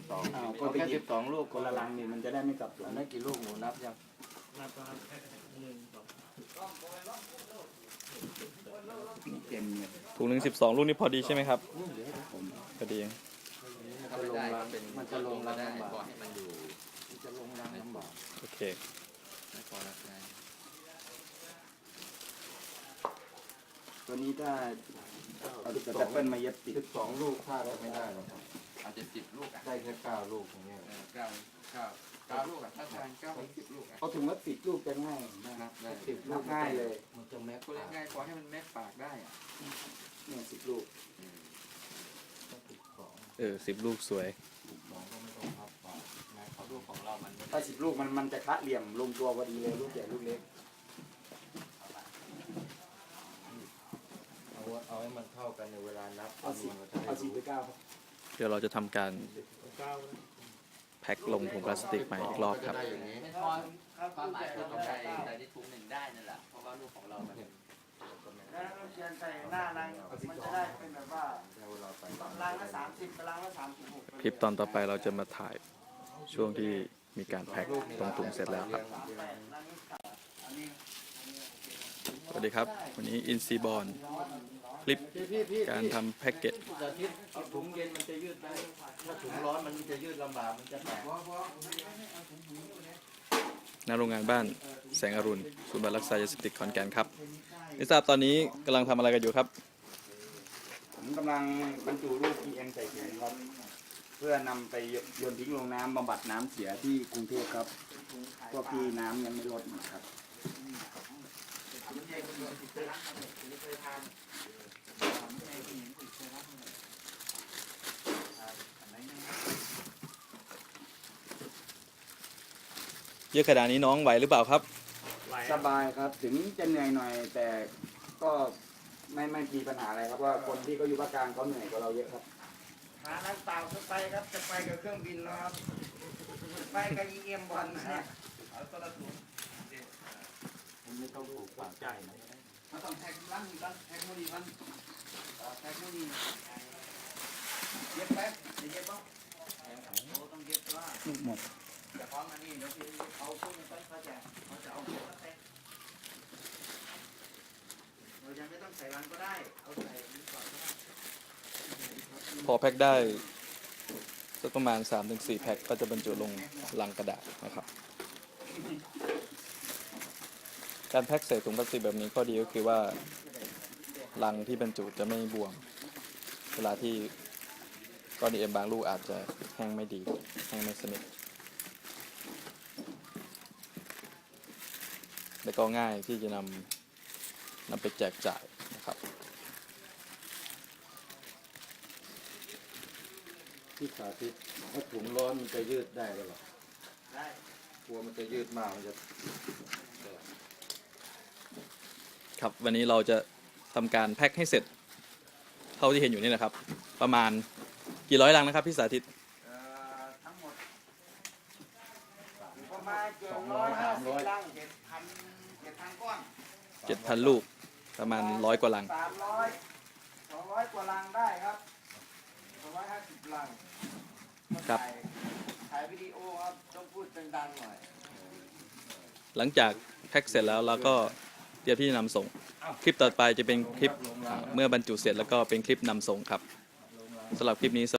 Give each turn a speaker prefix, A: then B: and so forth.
A: 12
B: เอาแค่12ลูกคนละลังนี่มันจะได้ไม่สับสน
A: ได้กี่ลูกหนูนับยัง
C: นับครับ1 2
B: นี่เต็มเลย
D: ถุงหนึ่ง12 ลูกนี่พอดีใช่ไหมครับ
B: ผม
D: พอดี
A: ถ้าไม่ได้ก็เป็น
B: มันจะลงรัง
A: ได้
B: ลำบาก
A: พอให้มันอยู่
B: มันจะลงรังลำบาก
D: โอเค
A: ไม่พอแล้วไง
B: ตัวนี้ถ้าเอาสแตปเปิลมาเย็บติด
E: 12 ลูกถ้าจะไม่ได้หรอกครับ
A: อาจจะ10 ลูกอ่ะ
E: ได้แค่9 ลูกอย่างเงี้ย
A: 9 ลูกอ่ะถ้าทาน9 ถึง 10 ลูกอ่ะ
B: เอาถุงละ10 ลูกจะง่ายนะครับ
A: ได้
B: 10 ลูกง่ายเลย
E: มันจะแม็ก
A: ก็เล่นง่ายพอให้มันแม็กปากได้อ่ะ
B: เนี่ย10 ลูก
D: 10 ลูกสวย
E: 12ก็ไม่ต้องพับปาก
A: เพราะลูกของเรามัน
B: ถ้า10 ลูกมันจะคะเหลี่ยมลงตัวพอดีเลยลูกใหญ่ลูกเล็ก
E: เอาให้มันเข้ากันในเวลานับ
B: เอา10
E: มันจะได้
B: เอา
E: รู้
B: 10ไป9ครับ
D: เดี๋ยวเราจะทำการ
C: 9
D: แพ็คลงถุงพลาสติกใหม่อีกรอบครับ
E: ก็จะได้อย่างนี้
A: ไม่พอความหมายคือต้องใส่ที่ถุงหนึ่งได้นั่นแหละเพราะว่าลูกของเรามัน
F: แล้วเราเขียนใส่หน้ารังมันจะได้เป็นแบบว่า
E: ได้เวลาไป
F: รังละ30รังละ36
D: คลิปตอนต่อไปเราจะมาถ่ายช่วงที่มีการแพ็คตรงถุงเสร็จแล้วครับ
F: รังนี้อันนี้
D: สวัสดีครับ วันนี้อินซีบอลคลิปการทำแพ็กเกจ
E: อาทิตย์เอาถุงเย็นมันจะยืดได้ถ้าถุงร้อนมันจะยืดลำบากมันจะแตก
D: หน้าโรงงานบ้านแสงอรุณศูนย์บำบัดรักษายาเสพติดขอนแก่นครับไม่ทราบตอนนี้กำลังทำอะไรกันอยู่ครับ
B: ผมกำลังบรรจุลูก PM ใส่ถุงครับ เพื่อนำไปโยนทิ้งลงน้ำบำบัดน้ำเสียที่กรุงเทพครับ พวกที่น้ำยังไม่ลดนะครับ
D: เยอะขนาดนี้น้องไหวหรือเปล่าครับ
B: สบายครับถึงจะเหนื่อยหน่อยแต่ก็ไม่มีปัญหาอะไรครับว่าคนที่เขาอยู่ภาคกลางเขาเหนื่อยกว่าเราเยอะครับ
F: หาน้ำเปล่าจะไปครับจะไปกับเครื่องบินนะครับไปกับ EM บอลนะฮะ
B: ไม่ต้องถูกปากใจนะ
F: มาต้องแท็กลังกันแท็กโมดีมันแท็กโมดีเย็บแป๊บเย็บบ้างต้องเย็บว่า
B: ลูกหมด
F: จะพร้อมอันนี้เดี๋ยวพี่เอาพวกนี้เขาจะเอาเย็บแล้วแท็กเรายังไม่ต้องใส่รังก็ได้เอาใส่นี่ก่อนก็ได้
D: พอแพ็คได้สักประมาณ 3-4 แพ็คก็จะบรรจุลงลังกระดาษนะครับ การแพ็คใส่ถุงพลาสติกแบบนี้ข้อดีก็คือว่าลังที่บรรจุจะไม่บวม เวลาที่ก้อนดีเอ็มบางลูกอาจจะแห้งไม่ดีแห้งไม่สนิทและก็ง่ายที่จะนำไปแจกจ่ายนะครับ
E: ที่สาธิตถ้าถุงร้อนมันจะยืดได้หรือเปล่า
F: ได้
E: กลัวมันจะยืดมากมันจะแตก
D: ครับวันนี้เราจะทำการแพ็คให้เสร็จเท่าที่เห็นอยู่นี่นะครับ ประมาณกี่ร้อยลังนะครับพี่สาธิต
F: ทั้งหมดประมาณ750ลัง7,000ก้อน
D: 7,000 ลูกประมาณ100 กว่าลัง
F: 200กว่าลังได้ครับ250ลัง
D: ครับ
F: ถ่ายวิดีโอครับต้องพูดดังๆหน่อย
D: หลังจากแพ็คเสร็จแล้วเราก็เตรียมที่จะนำส่ง คลิปต่อไปจะเป็นคลิปเมื่อบรรจุเสร็จแล้วก็เป็นคลิปนำส่งครับสำหรับคลิปนี้